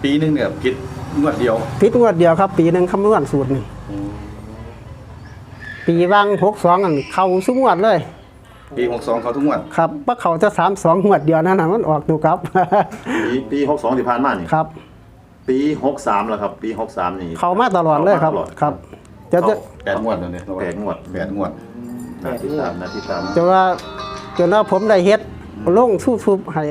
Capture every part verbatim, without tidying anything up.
ปีนึงเนี่ยผิดงวดเดียวผิดงวดเดียวครับปีหนึ่งคำนวณสูตรนี่ปีว่างหกสองอันเข้าสุงวดเลยปีหกสองเขาทุกงวดครับว่าเขาจะสามสองงวดเดียวนั่นนะมันออกตัวครับปีปีหกสองที่ผ่านมานี่ครับปีหกสามแล้วครับปีหกสามนี่เขามาตลอดเลยครับครับจะจะแปดงวดเลยเนี่ยแปดงวดแปดงวดนาทีตามนาทีตามจะว่าจนว่าผมได้เฮ็ดลงสู้ทุบให้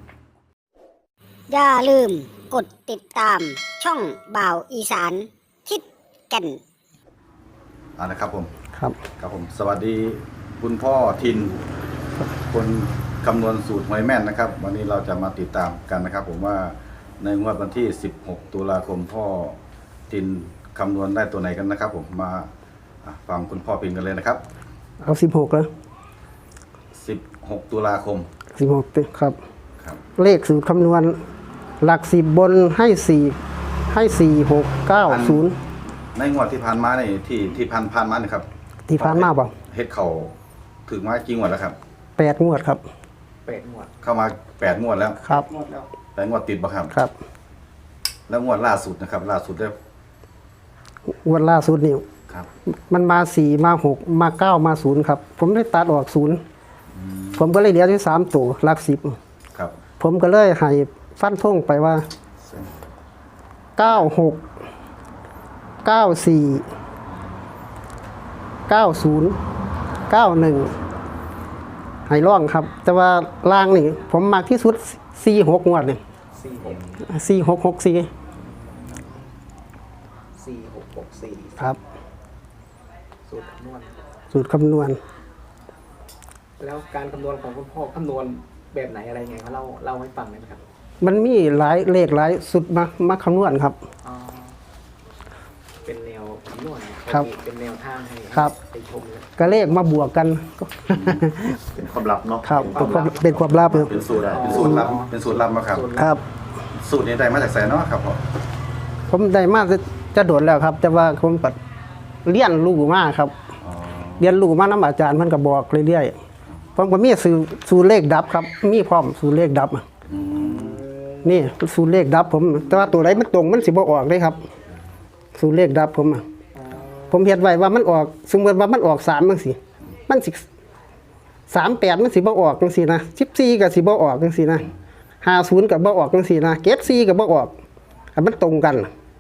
อย่าลืมกดติดตามช่องบ่าวอีสานทิศแก่นอ่านะครับผมครับครับผมสวัสดีคุณพ่อทินคนคำนวณสูตรหวยแม่นนะครับวันนี้เราจะมาติดตามกันนะครับผมว่าในงวดวันที่สิบหกตุลาคมพ่อทินคำนวณได้ตัวไหนกันนะครับผมมาฟังคุณพ่อพินกันเลยนะครับเอาสิบหกแล้วสิบหกตุลาคมสิบหกครับครับเลขสูตรคำนวณหลักสิบบนให้สี่ให้สี่หกเก้าศูนย์ในงวดที่ผ่านมาในที่ที่ผ่านผ่านมาเนี่ยครับที่ผ่านมาเปล่าเฮ็ดเข่าถึงมากี่งวดแล้วครับแปดงวดครับแปดงวดเข้ามาแปดงวดแล้วครับแปดงวดติดบ่ครับครับแล้วงวดล่าสุดนะครับล่าสุดได้งวดล่าสุดนี่ครับมันมาสี่มาหกมาเก้ามาศูนย์ครับผมได้ตัดออกศูนย์ผมก็เลยเหลือที่สามตัวหลักสิบครับผมก็เลยให้ฟันธงไปว่าเก้าหกเก้าสี่เก้าศูนย์เก้าหนึ่งให้ร่องครับแต่ว่าล่างนี่ผมมักที่สุดสี่หกงวดนี่สี่หกสี่หกหกสี่สี่หกหกสี่ครับสูตรคำนวณสูตรคำนวณแล้วการคำนวณของคุณพ่อคำนวณแบบไหนอะไรไงเขาเล่าเล่าให้ฟังได้ไหมครับมันมีหลายเลขหลายสุดมามาคำนวณครับอ๋อเป็นแนวคำนวณครับเป็นแนวทางให้ไปชมก็เลขมาบวกกันเป็นความลับเนาะครับเป็นความลับเป็นสูตรเป็นสูตรลับเป็นสูตรลับมาครับครับสูตรนี้ได้มาจากไสเนาะครับผมผมได้มาจะโดดแล้วครับแต่ว่าผมปัดเรียนรู้มากครับเรียนรู้มาน้ำอาจารย์มันก็บอกเรื่อยๆผมก็มีสูตรสูตรเลขดับครับมีพร้อมสูตรเลขดับนี่สูตรเลขดับผมแต่ว่าตัวไหนมันตรงมันสิบ่ออกเลยครับสูตรเลขดับผมผมเห็นไว้ว่ามันออกสมมติว่ามันออกสามจังซี่มันสิสามแปดมันสิบ่ออกจังซี่นะสิบสี่กับสิบ่ออกจังซี่นะห้าศูนย์กับบ่ออกจังซี่นะเจ็ดสี่กับบ่ออกมันตรงกัน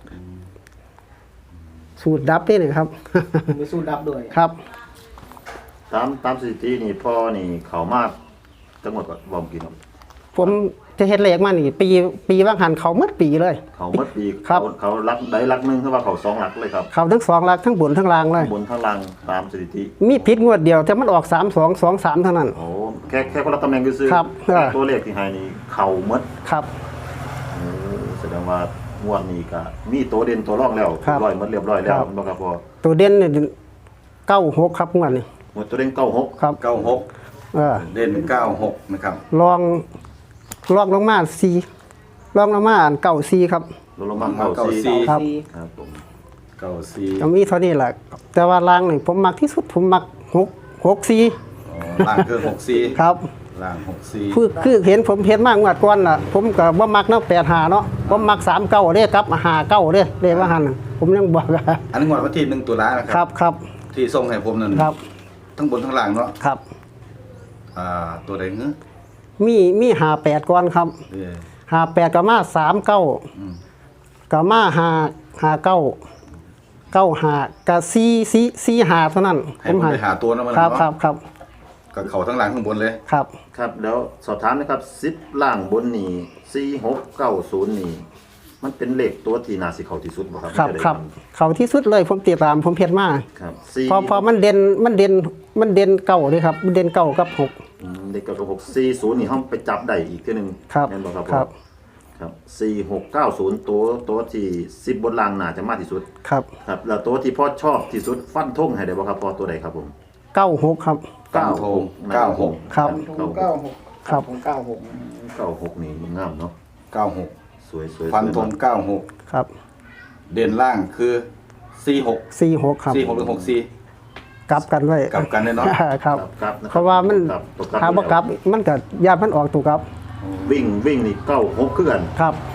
สูตรดับนี่นะครับมีสูตรดับด้วยครับตามตามสถิตินี่พ่อนี่เขามากจังหวัดวอมกินผมจะเฮ็ดเลขมานี่ปีปีว่างหันเขาหมดปีเลยเขาหมดปีเขาเขารักได้รักนึงคือว่าเขาสองหลักเลยครับเขาทั้งสองหลักทั้งบนทั้งล่างเลยบนทั้งล่างตามสถิติมีผิดงวดเดียวแต่มันออกสาม สอง สอง สามเท่านั้นโอ้แค่แค่คนละตำแหน่งซื่อตัวเลขที่ให้นี่เขาหมดครับโอ้แสดงว่างวดนี้ก็มีตัวเด่นตัวรองแล้วร้อยหมดเรียบร้อยแล้วบ่ครับพ่อตัวเด่นนี่เก้าหกครับงวดนี้หมดตัวเด่นเก้าหกครับเก้าหกเออเด่นเก้าหกนะครับลองลองลงมาสี่ลองลงมาอ่านเก้าสี่ครับลงมาเก้าสี่ครับครับผมเก้าสี่ก็มีเท่านี้แหละแต่ว่าล่างนี่ผมมักที่สุดผมมักหก หกสี่อ๋อล่างคือหกสี่ครับล่างหกสี่คือคือเห็นผมเห็นมากงวดก่อนน่ะผมก็บ่มักเนาะแปดห้าเนาะผมมักสามเก้าเด้ครับห้าเก้าเด้เลขว่าหั่นผมยังบอกอันนี้งวดวันที่หนึ่งตุลาคมครับครับที่ส่งให้ผมนั่นครับทั้งบนทั้งล่างเนาะครับอ่าตัวใดเงื้อมีมีห้าแปดก่อนครับห้าแปดก็มาสามเก้าก็มาห้าห้าเก้าเก้าห้าก็สี่สี่สี่ห้าเท่านั้นผมให้หาตัวนั้นมาครับครับครับกับเขาทั้งล่างข้างบนเลยครับครับแล้วสอบถามนะครับสิบล่างบนนี่สี่หกเก้าศูนย์นี่มันเป็นเลขตัวที่น่าสิเขาที่สุดบ่ครับครับครับเขาที่สุดเลยผมติดตามผมเพียรมาครับพอพอมันเด่นมันเด่นมันเด่นเก้าเลยครับมันเด่นเก้ากับหกเด็กกับหกสี่ศูนย์นี่ห้องไปจับได้อีกทีหนึ่งครับนั่นบอกครับครับครับสี่หกเก้าศูนย์ตัวตัวที่สิบบนล่างน่าจะมากที่สุดครับครับแล้วตัวที่พ่อชอบที่สุดฟันธงให้ได้บ่ครับพ่อตัวใดครับผมเก้าหกครับเก้าหกเก้าหกครับเก้าหกครับเก้าหกเก้าหกนี่มันงามเนาะเก้าหกสวยสวยฟันธงเก้าหกครับเด่นล่างคือสี่หกสี่หกครับสี่หกหรือหกสี่กลับกันไว้กลับกันเลยเนาะครับเพราะว่ามันถ้าบ่กลับมันก็ยามันออกตัวครับวิ่งวิ่งนี่เก้าหกคือกันครับ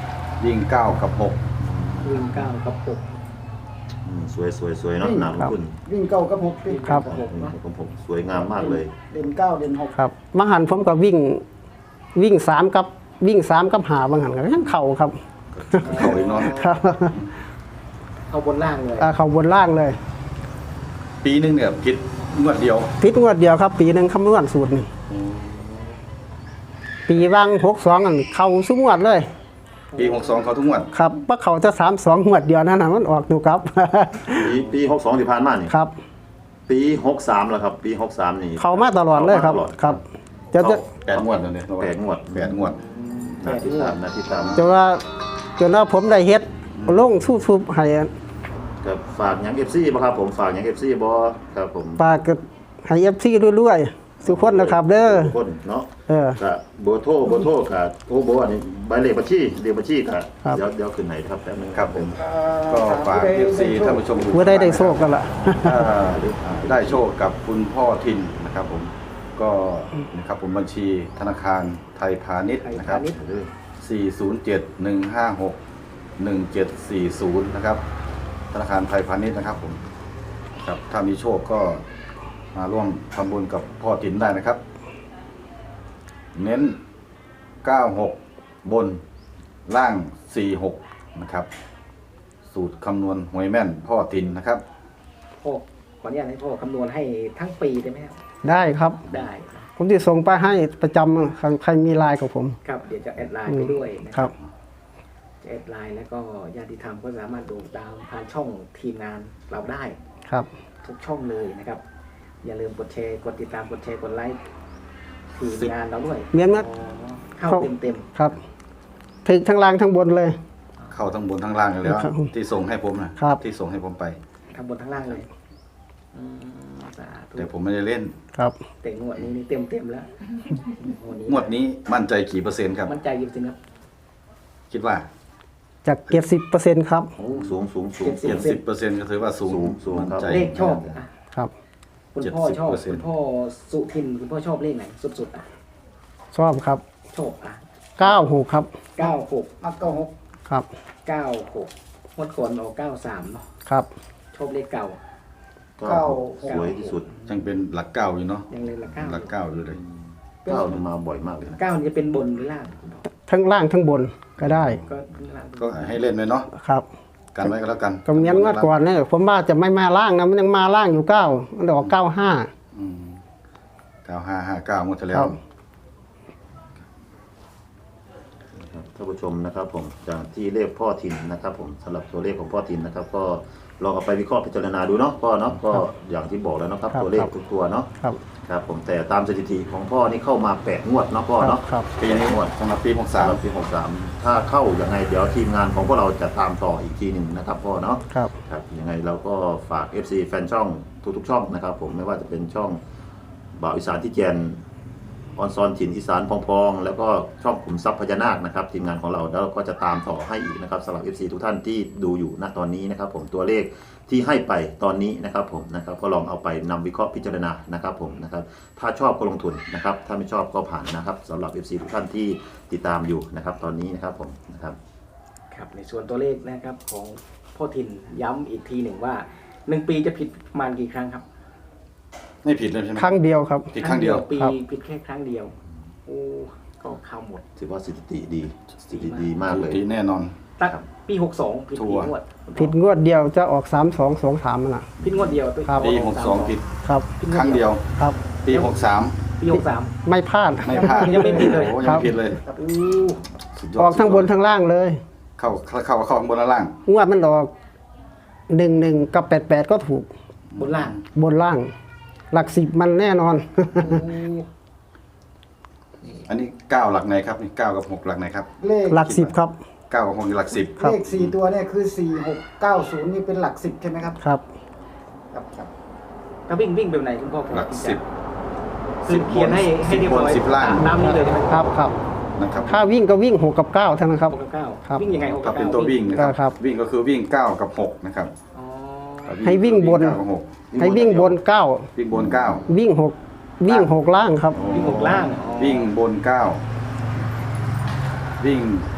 วิ่งเก้ากับหกวิ่งเก้ากับหกอืมสวยสวยสวยเนาะหนาลงทุนวิ่งเก้ากับหกติดครับหกผมผมสวยงามมากเลยเด่นเก้าเด่นหกครับบางหันผมก็วิ่งวิ่งสามกับวิ่งสามกับหาบางหันก็ยังเข่าครับเขาอีกเนาะครับเอาบนล่างเลยอ่าเข่าบนล่างเลยปีหนึงเนี่ยคิดงวดเดียวพิษงวดเดียวครับ ปีหนึ่งคำนวณสูตรนี่ปีว่างหกสองอันเข่าสุงวดเลยปีหกสองเขาทุกงวดครับว่าเขาจะสามสองงวดเดียวนั่นนะมันออกดูครับปีปีหกสองที่ผ่านมานี่ครับปีหกสามแล้วครับ ปีหกสามนี่เขามาตลอดเลยครับข้ามาตลอดครับจะจะแปดงวดแล้วเนี่ยแปดงวดแปดงวดนาทีตามนาทีตามจะว่าจนว่าผมได้เฮ็ดลงสู้ทุบให้กับฝากหยังเอฟซีบ่ครับผมฝากหยังเอฟซีบ่ครับผมปากก็ให้เอฟซีรวยๆสุขคนนะครับ เด้อทุกคนเนาะเออก็เบอร์โทรเบอร์โทรกับโอ้โบอันนี้ใบเลขบัญชีเลขบัญชีกับครับเดี๋ยวเดี๋ยวขึ้นไหนครับแป๊บนึงครับผม ก็ฝากเอฟซีท่านผู้ชมทุกเมื่อได้ได้โชคกันละถ้าได้โชคกับคุณพ่อทินนะครับผมก็นะครับผมบัญชีธนาคารไทยพาณิชย์นะครับ สี่ศูนย์เจ็ด หนึ่งห้าหก หนึ่งเจ็ดสี่ศูนย์ นะครับธนาคารไทยพาณิชย์นะครับผมครับถ้ามีโชคก็มาร่วมทำบุญกับพ่อทินได้นะครับ เน้น เก้าหก บนล่าง สี่หก นะครับ สูตรคำนวณหวยแม่นพ่อทินนะครับพ่อขออนุญาตให้พ่อคำนวณให้ทั้งปีได้ไหมครับได้ครับได้ผมจะส่งไปให้ประจำครับใครมีไลน์กับผมครับเดี๋ยวจะแอดไลน์ไปด้วยนะครับจะแอดไลน์แล้วก็ญาติธรรมก็สามารถดูตามผ่านช่องทีมงานเราได้ครับทุกช่องเลยนะครับ อย่าลืมกดแชร์กดติดตามกดแชร์กดไลค์ทีมงานเราด้วยเมียนมัดอ๋อเข้าเต็มเต็มครับถึงทั้งล่างทั้งบนเลยเข้าทั้งบนทั้งล่างอยู่แล้วครับที่ส่งให้ผมนะครับ ที่ส่งให้ผมไปๆทั้งบนทั้งล่างเลยอืมสาธุแต่ผมไม่ได้เล่นครับแต่งวดนี้นี่เต็มเต็มๆแล้วงวดนี้งวดนี้มั่นใจกี่เปอร์เซ็นต์ครับมั่นใจกี่เปอร์เซ็นต์ครับคิดว่าจากเจ็ดสิบเปอร์เซ็นต์ครับโอ้สูงสูงสูงเจ็เจ็ดดสิสิบบเปอร์เซ็นต์ก็ถือว่าสูงสูงสูงมั่นครับใจเลขชอบอ่ะครับคุณพ่อชอบเจ็ดสิบเปอร์เซ็นต์คุณพ่อสุทินคุณพ่อชอบเลขไหนสุดๆอ่ะชอบครับชอบอ่ะเก้าหกครับเก้าหกมักเก้าหกครับเก้าหกงวดก่อนออกเก้าสามเนาะครับชอบเลขเก่าเก้าสวยที่สุดยังเป็นหลักเก้าอยู่เนาะยังเลยละเก้าหลักเก้าอยู่เลยเก้านี่มาบ่อยมากเลยนะเก้านี่จะเป็นบนหรือล่างคุณพ่อทั้งล่างทั้งบนก็ได้ก็ล่างก็ให้เล่นไปเนาะครับกันไว้ก็แล้วกันก็เมียนงวดก่อนเนี่ยผมว่าจะไม่มาล่างนะมันยังมาล่างอยู่เก้ามันออกเก้าห้าอืมเก้าห้าห้าเก้างวดที่แล้ครัวบท่านผู้ชมนะครับผมจากที่เลขพ่อทินนะครับผมสำหรับตัวเลขของพ่อทินนะครับ ก็ลองเอาไปวิเคราะห์พิจารณาดูเนาะพ่อเนาะก็อย่างที่บอกแล้วนะครับครับตัวเลขครับทุกตัวเนาะครับครับผมแต่ตามสถิติของพ่อนี่เข้ามาแปดงวดเนาะพ่อเนาะครับปีนี้สำหรับปีหกสามสำหรับปีหกสามถ้าเข้ายังไงเดี๋ยวทีมงานของพวกเราจะตามต่ออีกทีหนึ่งนะครับพ่อเนาะครับครับยังไงเราก็ฝาก เอฟ ซี แฟนช่องทุกๆช่องนะครับผมไม่ว่าจะเป็นช่องบ่าวอีสานที่แกนออนซอนถิ่นอีสานพองๆแล้วก็ช่องขุมทรัพย์พญานาคนะครับทีมงานของเราแล้วเราก็จะตามต่อให้อีกนะครับสำหรับ เอฟ ซี ทุกท่านที่ดูอยู่ณตอนนี้นะครับผมตัวเลขที่ให้ไปตอนนี้นะครับผมนะครับก็ลองเอาไปนำวิเคราะห์พิจารณานะครับผมนะครับถ้าชอบก็ลงทุนนะครับถ้าไม่ชอบก็ผ่านนะครับสำหรับ เอฟ ซี ทุกท่านที่ติดตามอยู่นะครับตอนนี้นะครับผมนะครับครับในส่วนตัวเลขนะครับของพ่อทินย้ำอีกทีหนึ่งว่าหนึ่งปีจะผิดประมาณกี่ครั้งครับไม่ผิดเลยใช่ไหมครั้งเดียวครับผิดครั้งเดียวปีครับผิดแค่ครั้งเดียวโอ้ก็เข้าหมดถือว่าสถิติดีสถิติดีมากเลยดีแน่นอนตั้งปีหกสองผิดชักี่วร์งวดผิดงวดเดียวจะออกสามสองสองสามน่ะผิดงวดเดียวครับปีหกสองผิดครับผิครั้งเดียวครับปีหกสามปีหกสามไม่พลาดไม่พลาดยังไม่ผิดเลยโอ้ครัยังบไม่ผิดเลยอู้สุดยดออกทั้งบนทั้งล่างเลยเข้าเข้าเข้าเข้าข้างบนและล่างงวดมันออกหนึ่งหนึ่งกับแปดแปดก็ถูกบนล่างบนล่าง หลักสิบมันแน่นอนอันนี้เก้าหลักไหนครับนี่เก้ากับหกหลักไหนครับเลขหลักสิบครับเก้ากับหกนี่หลักสิบครับเลขสี่ตัวเนี่ยคือสี่หกเก้าศูนย์นี่เป็นหลักสิบใช่ไหมครับครับครับครับถ้าวิ่งวิ่งแบบไหนคุณพ่อหลักสิบคือเขียนให้ให้เรียบร้อยสิบล่างตามนี้เลยใช่ไหมครับครับนะครับถ้าวิ่งก็วิ่งหกกับเก้าเท่านั้นครับหกกับเก้าครับวิ่งยังไงหกกัถ้าบเป็นเก้าตัววิ่งนะคครัรับบวิ่งก็คือวิ่งเก้ากับหกนะครับอ๋อให้วิ่งบนเก้ากับหกให้วิ่งบนเก้าวิ่งบนเก้าวิ่งหกวิ่งหกล่างครับวิ่งหกล่างอ๋อวิ่งบนเก้าวิ่ง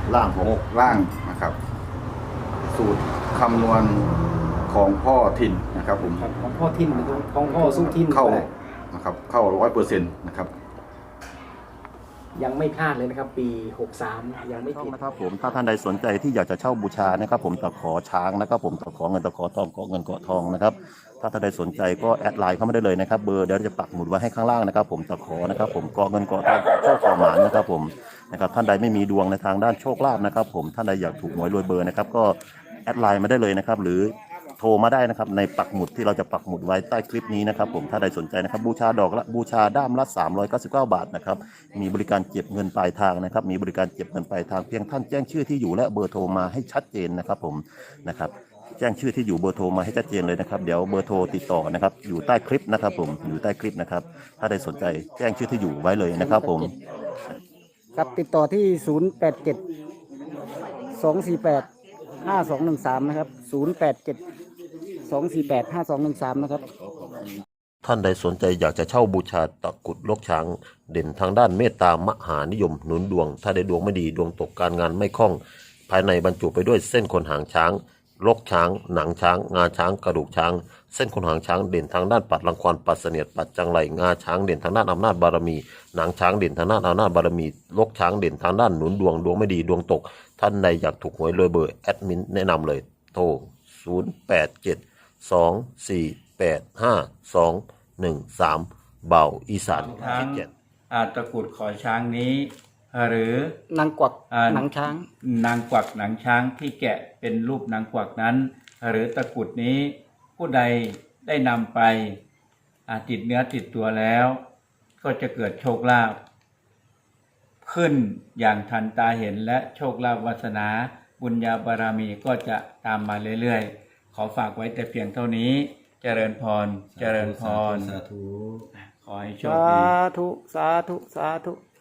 ล่างหหกกล่างนะครับ สูตรคำนวณของพ่อทินนะครับผมครับของพ่อทินหรือของพ่อสู้ทินเข้าก็ได้นะครับเข้าร้อยเปอร์เซ็นต์นะครับยังไม่พลาดเลยนะครับ ปีหกสามยังไม่ช่องผิดนะครับผมถ้าท่านใดสนใจที่อยากจะเช่าบูชานะครับผมตะขอช้างนะครับผมตะขอเงินตะขอทองเกาะเงินเกาะทองนะครับถ้าท่านใดสนใจก็แอดไลน์เข้ามาได้เลยนะครับเบอร์เดี๋ยวจะปักหมุดไว้ให้ข้างล่างนะครับผมตะขอนะครับผมเกาะเงินเกาะทองเกาะโชคเกาะหมานนะครับผมนะครับท่านใดไม่มีดวงในทางด้านโชคลาภนะครับผมท่านใดอยากถูกหวยรวยเบอร์นะครับก็แอดไลน์มาได้เลยนะครับหรือโทรมาได้นะครับในปักหมุดที่เราจะปักหมุดไว้ใต้คลิปนี้นะครับผมถ้าใดสนใจนะครับบูชาดอกละบูชาด้ามละสามร้อยเก้าสิบเก้าบาทนะครับมีบริการเก็บเงินปลายทางนะครับมีบริการเก็บเงินปลายทางเพียงท่านแจ้งชื่อที่อยู่และเบอร์โทรมาให้ชัดเจนนะครับผมนะครับแจ้งชื่อที่อยู่เบอร์โทรมาให้ชัดเจนเลยนะครับเดี๋ยวเบอร์โทรติดต่อนะครับอยู่ใต้คลิปนะครับผมอยู่ใต้คลิปนะครับถ้าใดสนใจแจ้งชื่อที่อยู่ไว้เลยนะครับผมครับติดต่อที่ ศูนย์ แปด เจ็ด สอง สี่ แปด ห้า สอง หนึ่ง สาม นะครับ ศูนย์ แปด เจ็ด สอง สี่ แปด ห้า สอง หนึ่ง สาม นะครับท่านใดสนใจอยากจะเช่าบูชาตะกรุดลกช้างเด่นทางด้านเมตตามหานิยมหนุนดวง ถ้าได้ดวงไม่ดีดวงตกการงานไม่คล่อง ภายในบรรจุไปด้วยเส้นขนหางช้างลกช้าง หนังช้าง งาช้างกระดูกช้าง เส้นขนหางช้างเด่นทางด้านปัดรังควานปัดเสนียดปัดจังไรงาช้างเด่นทางด้านอำนาจบารมีหนังช้างเด่นทางด้านอำนาจบารมีลกช้างเด่นทางด้านหนุนดวงดวงไม่ดีดวงตก ท่านใดอยากถูกหวยรวยเบอร์แอดมินแนะนำเลยโทรศูนย์ แปด เจ็ด สอง สี่ แปด ห้า สอง หนึ่ง สามเบาอีสานทั้งเจ็ดอ่าตะกรุดขอช้างนี้ หรือนางกวักอ่าหนังช้างนางกวักหนังช้างที่แกะเป็นรูปนางกวักนั้น หรือตะกรุดนี้ผู้ใดได้นำไปอ่าติดเนื้อติดตัวแล้ว ก็จะเกิดโชคลาภขึ้นอย่างทันตาเห็นและโชคลาภวาสนาบุญญาบารมีก็จะตามมาเรื่อยๆขอฝากไว้แต่เพียงเท่านี้เจริญพรเจริญพรสาธุขอให้โชคสาดีธุ สาธุ สาธุ